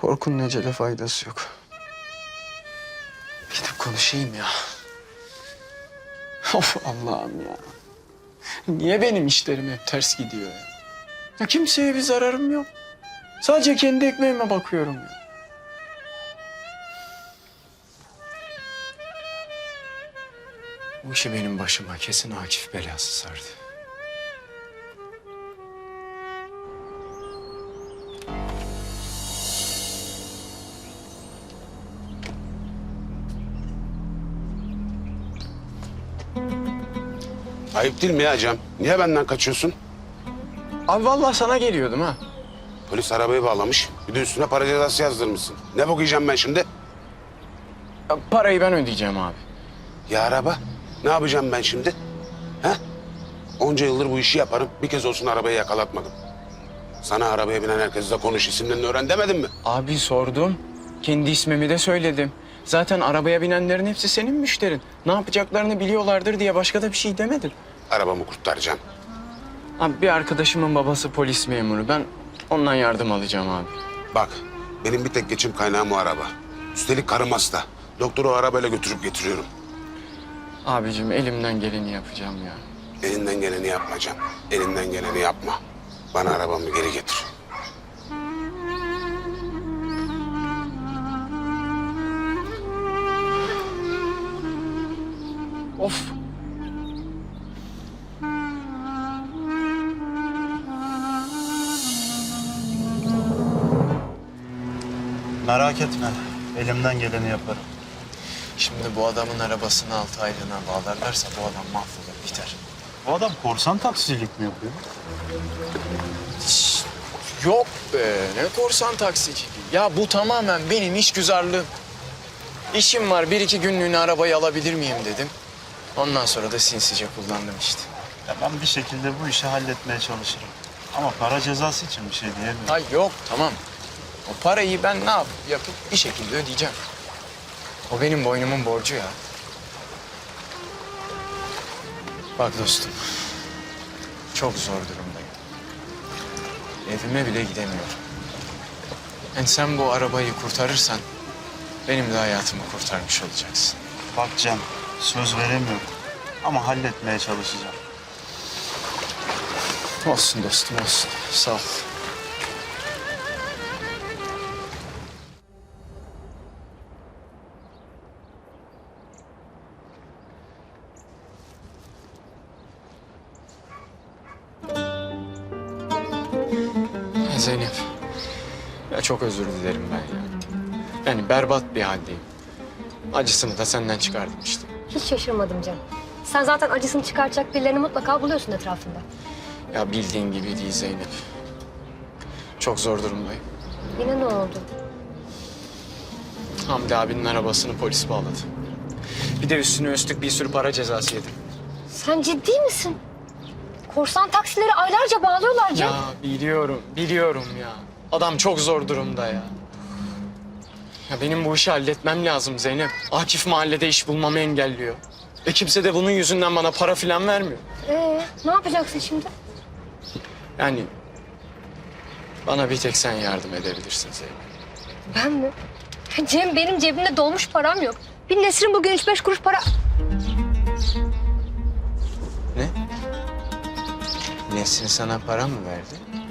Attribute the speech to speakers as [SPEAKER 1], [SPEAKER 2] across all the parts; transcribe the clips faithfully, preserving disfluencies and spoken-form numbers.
[SPEAKER 1] Korkunun ecele faydası yok. Gidip konuşayım ya. Of Allah'ım ya. Niye benim işlerim hep ters gidiyor ya? Ya kimseye bir zararım yok. Sadece kendi ekmeğime bakıyorum ya. Bu işi benim başıma kesin Akif belası sardı.
[SPEAKER 2] Ayıp değil mi ya Cem? Niye benden kaçıyorsun?
[SPEAKER 1] Abi vallahi sana geliyordum ha.
[SPEAKER 2] Polis arabayı bağlamış. Bir de üstüne para cezası yazdırmışsın. Ne bok yiyeceğim ben şimdi?
[SPEAKER 1] Ya parayı ben ödeyeceğim abi.
[SPEAKER 2] Ya araba? Ne yapacağım ben şimdi? He? Onca yıldır bu işi yaparım. Bir kez olsun arabayı yakalatmadım. Sana arabaya binen herkesle konuş, isimlerini öğren demedim mi?
[SPEAKER 1] Abi sordum. Kendi ismimi de söyledim. Zaten arabaya binenlerin hepsi senin müşterin. Ne yapacaklarını biliyorlardır diye başka da bir şey demedim.
[SPEAKER 2] Arabamı kurtaracağım.
[SPEAKER 1] Abi bir arkadaşımın babası polis memuru. Ben ondan yardım alacağım abi.
[SPEAKER 2] Bak, benim bir tek geçim kaynağım o araba. Üstelik karım hasta. Doktoru o arabayla götürüp getiriyorum.
[SPEAKER 1] Abicim elimden geleni yapacağım ya.
[SPEAKER 2] Elinden geleni yapmayacağım. Elinden geleni yapma. Bana arabamı geri getir.
[SPEAKER 1] Of.
[SPEAKER 3] Merak etme. Elimden geleni yaparım.
[SPEAKER 1] Şimdi bu adamın arabasını altı aylığına bağlarlarsa bu adam mahvolur biter.
[SPEAKER 3] Bu adam korsan taksicilik mi yapıyor?
[SPEAKER 1] Şşş, yok be ne korsan taksiciliği. Ya bu tamamen benim işgüzarlığım. İşim var bir iki günlüğüne arabayı alabilir miyim dedim. Ondan sonra da sinsice kullandım işte.
[SPEAKER 3] Ya ben bir şekilde bu işi halletmeye çalışırım. Ama para cezası için bir şey diyemiyorum.
[SPEAKER 1] Ha yok tamam. O parayı ben ne yap yapıp bir şekilde ödeyeceğim. O benim boynumun borcu ya. Bak dostum. Çok zor durumdayım. Evime bile gidemiyorum. Yani sen bu arabayı kurtarırsan benim de hayatımı kurtarmış olacaksın.
[SPEAKER 3] Bak Cem, söz veremiyorum. Ama halletmeye çalışacağım.
[SPEAKER 1] Olsun dostum olsun. Sağ ol. Ya Zeynep. Ya çok özür dilerim ben ya. Yani berbat bir haldeyim. Acısını da senden çıkardım işte.
[SPEAKER 4] Hiç şaşırmadım Cem. Sen zaten acısını çıkartacak birilerini mutlaka buluyorsun etrafında.
[SPEAKER 1] Ya bildiğin gibi değil Zeynep. Çok zor durumdayım.
[SPEAKER 4] Yine ne oldu?
[SPEAKER 1] Hamdi abinin arabasını polis bağladı. Bir de üstüne üstlük bir sürü para cezası yedim.
[SPEAKER 4] Sen ciddi misin? Korsan taksileri aylarca bağlıyorlar Cem.
[SPEAKER 1] Ya biliyorum, biliyorum ya. Adam çok zor durumda ya. Ya benim bu işi halletmem lazım Zeynep. Akif mahallede iş bulmamı engelliyor. E kimse de bunun yüzünden bana para falan vermiyor.
[SPEAKER 4] Ee, ne yapacaksın şimdi?
[SPEAKER 1] Yani bana bir tek sen yardım edebilirsin Zeynep.
[SPEAKER 4] Ben mi? Cem benim cebimde dolmuş param yok. Bir Nesrin bugün üç beş kuruş para...
[SPEAKER 1] Ne? Nesrin sana para mı verdi?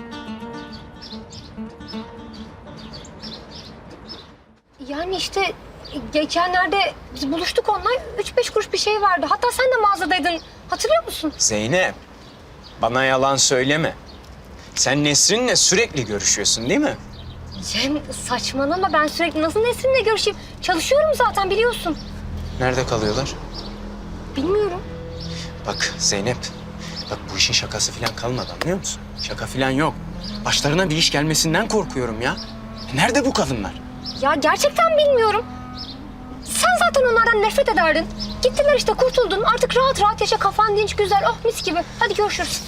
[SPEAKER 4] Yani işte geçenlerde biz buluştuk onunla. Üç beş kuruş bir şey vardı. Hatta sen de mağazadaydın. Hatırlıyor musun?
[SPEAKER 1] Zeynep, bana yalan söyleme. Sen Nesrin'le sürekli görüşüyorsun değil mi?
[SPEAKER 4] Cem saçmalama, ben sürekli nasıl Nesrin'le görüşeyim? Çalışıyorum zaten biliyorsun.
[SPEAKER 1] Nerede kalıyorlar?
[SPEAKER 4] Bilmiyorum.
[SPEAKER 1] Bak Zeynep, bak bu işin şakası falan kalmadı anlıyor musun? Şaka falan yok. Başlarına bir iş gelmesinden korkuyorum ya. Nerede bu kadınlar?
[SPEAKER 4] Ya gerçekten bilmiyorum. Sen zaten onlardan nefret ederdin. Gittiler işte, kurtuldun. Artık rahat rahat yaşa, kafan dinç, güzel. Oh mis gibi. Hadi görüşürüz.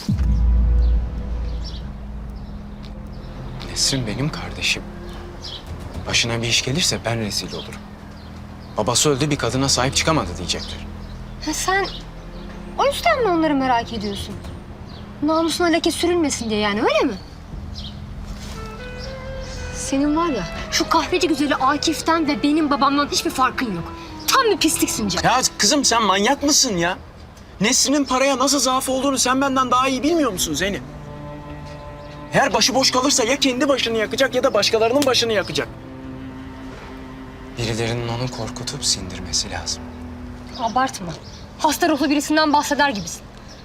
[SPEAKER 1] Nesrin benim kardeşim. Başına bir iş gelirse ben rezil olurum. Babası öldü, bir kadına sahip çıkamadı diyecekler.
[SPEAKER 4] Ha, sen o yüzden mi onları merak ediyorsun? Namusuna leke sürülmesin diye yani, öyle mi? Senin var ya şu kahveci güzeli Akif'ten ve benim babamdan hiçbir farkın yok. Tam bir pisliksin Can.
[SPEAKER 1] Ya kızım sen manyak mısın ya? Nesrin'in paraya nasıl zaafı olduğunu sen benden daha iyi bilmiyor musun Zeynep? Eğer başıboş kalırsa ya kendi başını yakacak ya da başkalarının başını yakacak. Birilerinin onu korkutup sindirmesi lazım.
[SPEAKER 4] Abartma. Hasta ruhlu birisinden bahseder gibisin.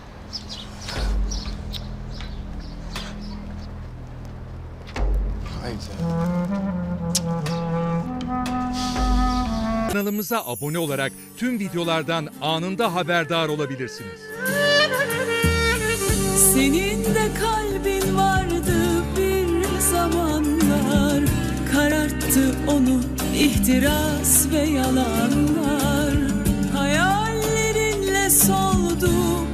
[SPEAKER 1] Haydi.
[SPEAKER 5] Kanalımıza abone olarak tüm videolardan anında haberdar olabilirsiniz.
[SPEAKER 6] Senin de kalbin vardı bir zamanlar, kararttı onu ihtiras ve yalanlar. Hayallerinle soldu